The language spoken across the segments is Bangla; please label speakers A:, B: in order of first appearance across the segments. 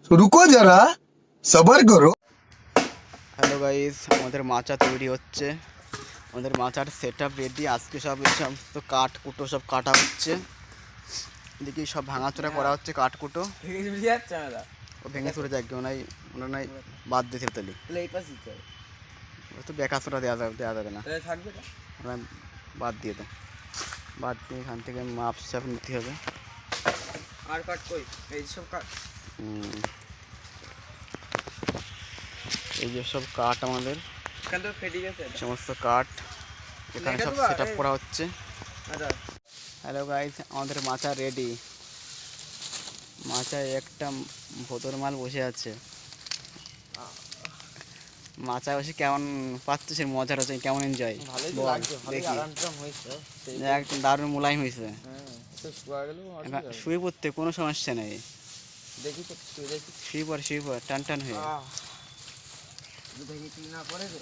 A: रुको जरा सबर करो।
B: হ্যালো গাইস, আমাদের মাচা তৈরি হচ্ছে। আমাদের মাচার সেট আপ রেডি। আজকে সব এই সমস্ত কাঠ কুটো সব কাটা হচ্ছে। এদিকে সব ভাঙাচোরা করা হচ্ছে কাঠ কুটো। ও ভেঙে চুরে যাক, ওনার নাই বাদ দিতে তালি তো বেকাচোরা দেওয়া যাবে না, ওরা বাদ দিয়ে দেয়। বাদ দিয়ে এখান থেকে মাপ সাপ নিতে হবে।
C: আর কাট কই এই সব কাট
B: এই যে সব কাঠ আমাদের
C: এখান থেকে ফেটে গেছে
B: সমস্ত কাঠ এখানে সব সেট আপ করা হচ্ছে।
C: আচ্ছা
B: হ্যালো গাইস, আমাদের মাচা রেডি। মাচায় একটা ভোতর মাল বসে আছে। মাচা বসে কেমন পাচ্ছে, সে মজার হচ্ছে, কেমন এনজয়?
C: ভালোই তো লাগছে, ভালোই আরাম হয়েছে।
B: একদম দারুণ মোলায়েম হয়েছে।
C: হ্যাঁ তো শুয়া গেল
B: শুয়ে পড়তে কোনো সমস্যা নেই।
C: দেখি তো দেখি
B: শুয়ে পড় টান টান হয়ে।
C: দেখি কি না করে রে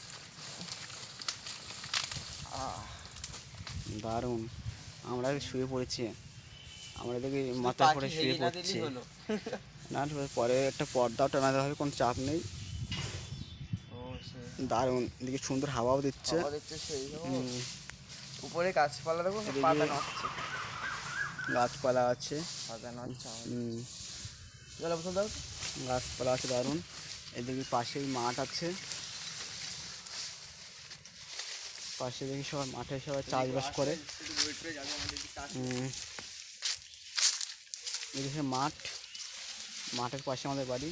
B: দারুণ। আমরা শুয়ে পড়েছি, আমরা দেখি মাথা করে শুয়ে পড়ছি। না পরে একটা পর্দাও টানাতে হবে, কোনো চাপ নেই। দারুণ, এদিকে সুন্দর হাওয়াও দিচ্ছে।
C: উপরে গাছপালা দেখো, পাতা নড়ছে,
B: গাছপালা আছে,
C: পাতা নড়ছে।
B: গাছপালা আছে দারুণ। এদিকে পাশেই মাঠ আছে, পাশে দেখি সবাই মাঠে সবাই চাষবাস করে। এদিকে মাঠ, মাঠের পাশে আমাদের বাড়ি।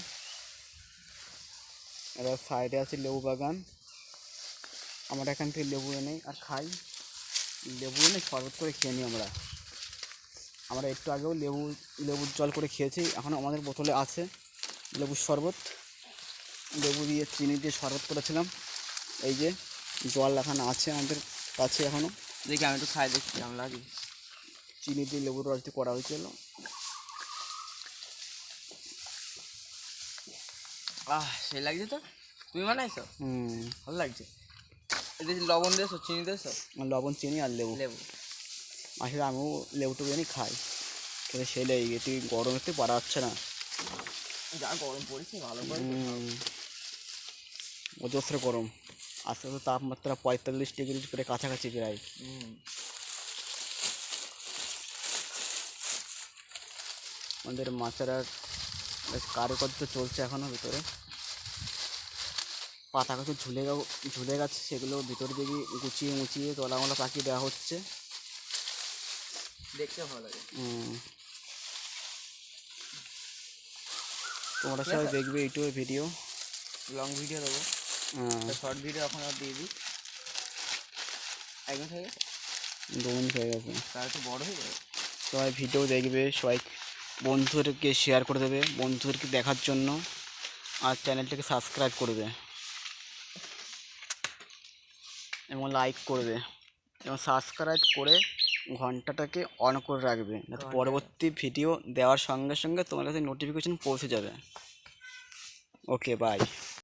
B: এবার সাইডে আছে লেবু বাগান। আমরা এখান থেকে লেবু এনে আর খাই, লেবু এনে শরবত করে খেয়ে নিই আমরা একটু আগেও লেবুর জল করে খেয়েছি। এখনও আমাদের বোতলে আছে লেবুর শরবত। লেবু দিয়ে চিনি দিয়ে শরবত করেছিলাম। এই যে জল এখানে আছে আমাদের কাছে এখনও।
C: দেখি আমি একটু খাই, দেখি কেমন লাগে।
B: চিনি দিয়ে লেবুর রস দিয়ে করা হয়েছিল।
C: সেই লাগছে তো, তুমি বানাইছো? ভালো লাগছে। এদের লবণ দিয়েছো, চিনি দিয়েছো?
B: লবণ চিনি আর লেবু। আসলে আমিও লেবুটুকু এনে খাই, কিন্তু সেলে এটি গরমেতে পারা যাচ্ছে না,
C: যা গরম পড়েছে। ভালো করে
B: অজস্র গরম। আস্তে আস্তে তাপমাত্রা 45 ডিগ্রি করে কাছাকাছি প্রায়। আমাদের মাচারার বেশ কারুকার্য চলছে এখনও ভিতরে। পাতা কিছু ঝুলে গেছে, সেগুলো ভিতরে দিকে গুছিয়ে মুছিয়ে তলামলা পাকিয়ে দেওয়া হচ্ছে।
C: দেখতে ভালো লাগে।
B: তোমরা সবাই দেখবে ইউটিউবে ভিডিও,
C: লং ভিডিও দেবো, শর্ট ভিডিও এখন আর দিয়ে দিই। 1 মিনিট হয়ে গেছে,
B: 2 মিনিট হয়ে গেছে,
C: তার একটু বড় হয়ে যাবে।
B: সবাই ভিডিও দেখবে, সবাই বন্ধুদেরকে শেয়ার করে দেবে বন্ধুদেরকে দেখার জন্য, আর চ্যানেলটাকে সাবস্ক্রাইব করবে এবং লাইক করবে এবং সাবস্ক্রাইব করে ঘন্টাটাকে অন করে রাখবে, যাতে পরবর্তী ভিডিও দেওয়ার সঙ্গে সঙ্গে তোমার কাছে নোটিফিকেশন পৌঁছে যাবে। Okay, by.